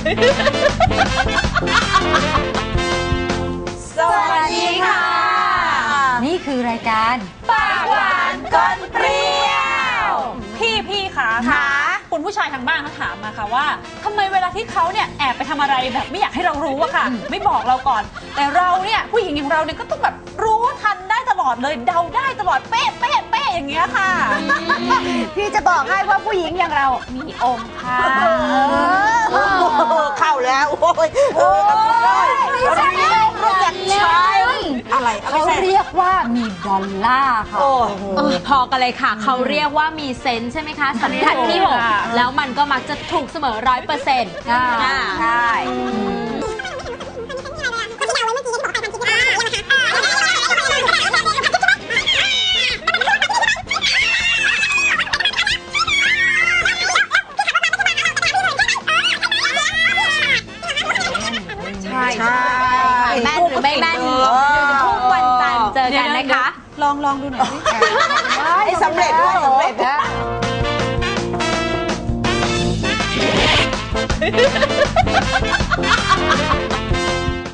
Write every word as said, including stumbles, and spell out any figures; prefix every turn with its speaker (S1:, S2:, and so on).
S1: สวัสดีค่ะนี่คือรายการปากหวานก้นเปรี้ยวพี่พี่คะค่ะคุณผู้ชายทางบ้านเขาถามมาค่ะว่าทำไมเวลาที่เขาเนี่ยแอบไปทำอะไรแบบไม่อยากให้เรารู้อะค่ะไม่บอกเราก่อนแต่เราเนี่ยผู้หญิงอย่างเราเนี่ยก็ต้องแบบรู้ทันได้ตลอดเลยเดาได้ตลอดเป๊ะเป๊ะเป๊ะอย่างเงี้ยค่ะพี่จะบอกให้ว่าผู้หญิงอย่างเรามีองค์ค่ะ
S2: เข้าแล้วโอ้ยเออไม่ใช่รู้จักใช้อะไร
S1: เขาเรียกว่ามีดอลลาร์ค่ะ
S3: พอกันเลยค่ะเขาเรียกว่ามีเซนส์ใช่ไหมคะสัมผัสที่หกแล้วมันก็มักจะถูกเสมอร้อยเปอร์เซ็นต์
S1: ใช่
S3: ใช่แม่นหรือไม่แม่นทุกวันจันทร์เจอกันนะคะ
S1: ลองลองดูหน่อย
S2: ให้สำเร็จด้วยสำเร็จนะ